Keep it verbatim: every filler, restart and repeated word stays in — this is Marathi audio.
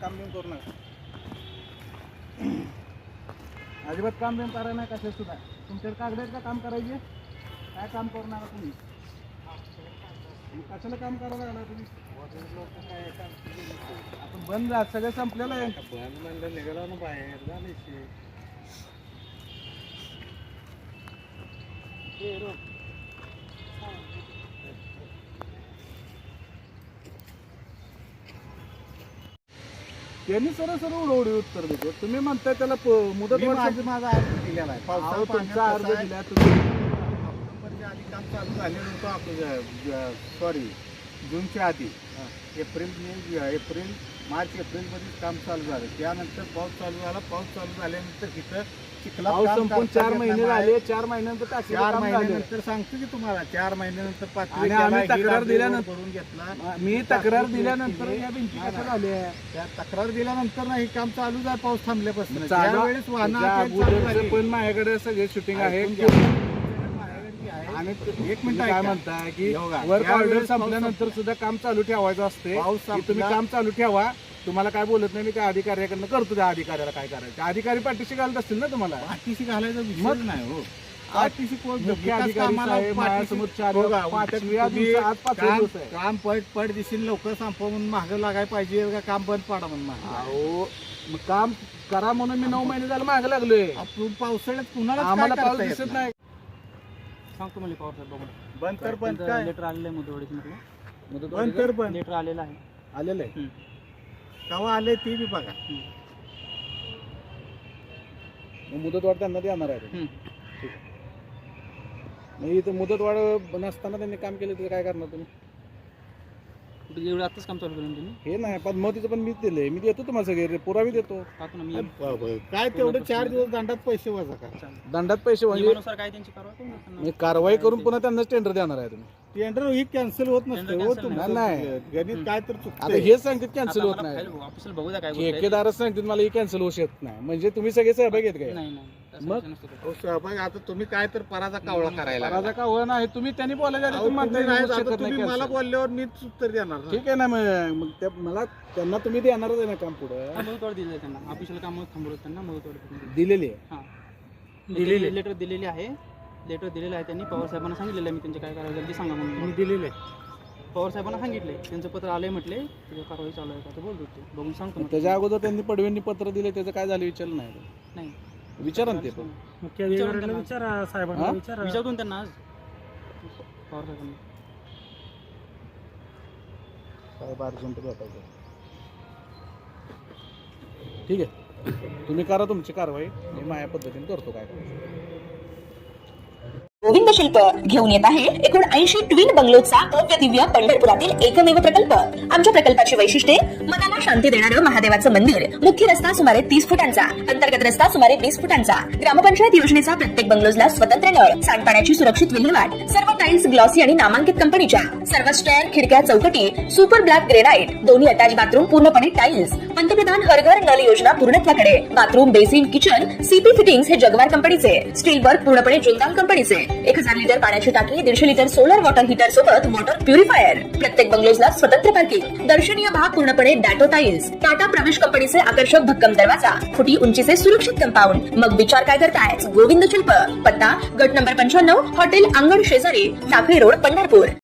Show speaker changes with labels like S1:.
S1: काम बिम करू नका. अजिबात काम बिम करा नाही कशा सुद्धा. तुमच्याकडे कागद आहेत का काम करायचे? काय काम करू नका तुम्ही. कशाला काम करायला लागला तुम्ही? आपण बंद जा, सगळं संपलेलं आहे. बंद म्हणलं निघाला ना बाहेर झाले. त्यांनी सरळ सरळ उडवडी उत्तर देतो. तुम्ही म्हणताय त्याला मुदत माझा माझा अर्ज दिलेला आहे. तुमचा अर्ज दिला तुम्ही ऑक्टोबरच्या आधी काम चालू झालेलं होतं. आपलं सॉरी जूनच्या आधी एप्रिल मे एप्रिल मार्च एप्रिलमध्ये काम चालू झालं. त्यानंतर पाऊस चालू झाला. पाऊस चालू झाल्यानंतर तिथं चिखला संपून चार महिने झाले. चार महिन्यानंतर चार महिन्यानंतर सांगतो की तुम्हाला चार महिन्यानंतर पाचवी आम्ही तक्रार दिल्यानंतर करून घेतला. मी तक्रार दिल्यानंतर या भिंती कशा झाल्या? त्या तक्रार दिल्यानंतर नाही काम चालू झालं. पाऊस थांबल्यापासून त्यावेळेस वाहन पण माझ्याकडे सगळे शूटिंग आहे. आणि एक मिनिट काय म्हणताय की वर्क ऑर्डर संपल्यानंतर सुद्धा काम चालू ठेवायचं असते. तुम्ही काम चालू ठेवा. तुम्हाला काय बोलत नाही. मी त्या अधिकाऱ्याकडनं करतो. त्या अधिकाऱ्याला काय करायचं. अधिकारी पाठीशी घालत असतील ना तुम्हाला. पाठीशी घालायचा विषय नाही हो. पाठीशी कोण मुख्य अधिकारी काम पट पट दिसेल लवकर संपवून मागं लागायला पाहिजे का काम बंद पाडा म्हणून. अहो मग काम करा म्हणून मी नऊ महिने झालं मागं लागलोय. पावसाळ्यात कुणाला आम्हाला पाऊस दिसत नाही.
S2: सांगतो मला पॉवर साहेब बघून.
S1: बंद कर बंद काय
S2: लेटर आलेलं आहे मुदतवाढीचं म्हटलं.
S1: बंद कर बंद
S2: लेटर आलेलं आहे.
S1: आलेलं आहे. केव्हा आले ते बी बघा. मुदतवाढ त्यांना देणार आहे. ठीक आहे. मग इथं मुदतवाढ नसताना त्यांनी काम केलं तर काय करणार तुम्ही?
S2: एवढं आताच काम चालू करून तुम्ही
S1: हे नाही पद्मावतीचं पण मीच दिलंय. मी देतो तुम्हाला सगळे पुरावे देतो.
S2: टाकू ना मी.
S1: काय तेवढं चार दिवस दंडात पैसे वजा का? दंडात पैसे म्हणजे
S2: काय त्यांची कारवाई
S1: मी कारवाई करून पुन्हा त्यांनाच टेंडर देणार आहे. तुम्ही टेंडर ही कॅन्सल होत नसते. नाही गणित काय तर चुकतं. हे सांगतात कॅन्सल होत नाही.
S2: ऑफिसला बघू द्या काय
S1: ठेकेदारच सांगतात मला ही कॅन्सल होऊ शकत नाही. म्हणजे तुम्ही सगळे सहभागी आहेत काय?
S2: नाही नाही
S1: मग सहभाग आता तुम्ही काय तर पराचा कावळा करायला. पराचा कावळा नाही. तुम्ही त्यांनी बोलायला तुम्ही मला बोलल्यावर मीच उत्तर देणार. ठीक आहे ना. मग त्या मला त्यांना तुम्ही देणारच आहे ना काम पुढे.
S2: मुदतवाढ दिली त्यांना. ऑफिशियल काम थांबवलं त्यांना मुदतवाढ
S1: दिलेली आहे.
S2: हां दिलेली लेटर दिलेली आहे. लेटर दिलेलं आहे त्यांनी. पवार साहेबांना सांगितलेलं आहे मी त्यांचे काय करायचं ते सांगा म्हणून. दिलेले पवार साहेबांना सांगितले. त्यांचं पत्र आलंय म्हटले त्याची कारवाई चालू आहे का ते बोलत होते. बघून सांगतो. त्याच्या अगोदर त्यांनी पडव्यांनी पत्र दिले त्याचं काय झालं विचारलं नाही. नाही विचारा ना ते पण. विचारा साहेबांना. विचारा विचारून त्यांना आज पवार साहेबांना.
S1: साहेब अर्जंट भेटायचं. ठीक आहे तुम्ही करा तुमची कारवाई. मी माझ्या पद्धतीने करतो काय करायचं.
S3: गोविंद शिल्प घेऊन येत आहे एकूण ऐंशी ट्विन बंगलोचा भव्य दिव्य पंढरपुरातील एकमेव प्रकल्प. आमच्या प्रकल्पाची वैशिष्ट्ये मनाला शांती देणारं महादेवाचं मंदिर. मुख्य रस्ता सुमारे तीस फुटांचा. अंतर्गत रस्ता सुमारे वीस फुटांचा. ग्रामपंचायत योजनेचा प्रत्येक बंगलोजला स्वतंत्र नळ. सांडपाण्याची सुरक्षित विल्हेवाट. सर्व टाइल्स ग्लॉसी आणि नामांकित कंपनीच्या. सर्व स्टेअर खिडक्या चौकटी सुपर ब्लॅक ग्रेनाइट. दोन्ही अटॅच बाथरूम पूर्णपणे टाइल्स. पंतप्रधान हर घर नल योजना पूर्णत्वाकडे. Bathroom basin kitchen CP fittings हे जगवार कंपनीचे. स्टील वर्क पूर्णपणे जिंदाल कंपनीचे. एक हजार लिटर पाण्याची टाकी. दीडशे लिटर सोलर वॉटर हीटर सोबत वॉटर प्युरिफायर. प्रत्येक बंगलोजला स्वतंत्र पार्किंग. दर्शनीय भाग पूर्णपणे डॅटो टाइल्स. टाटा प्रवेश कंपनीचे आकर्षक भक्कम दरवाजा. फुटी उंचीचे सुरक्षित कंपाऊंड. मग विचार काय करताय? गोविंद शिल्प. पत्ता गट नंबर पंच्याण्णव हॉटेल अंगण शेजारी टाकळी रोड पंढरपूर.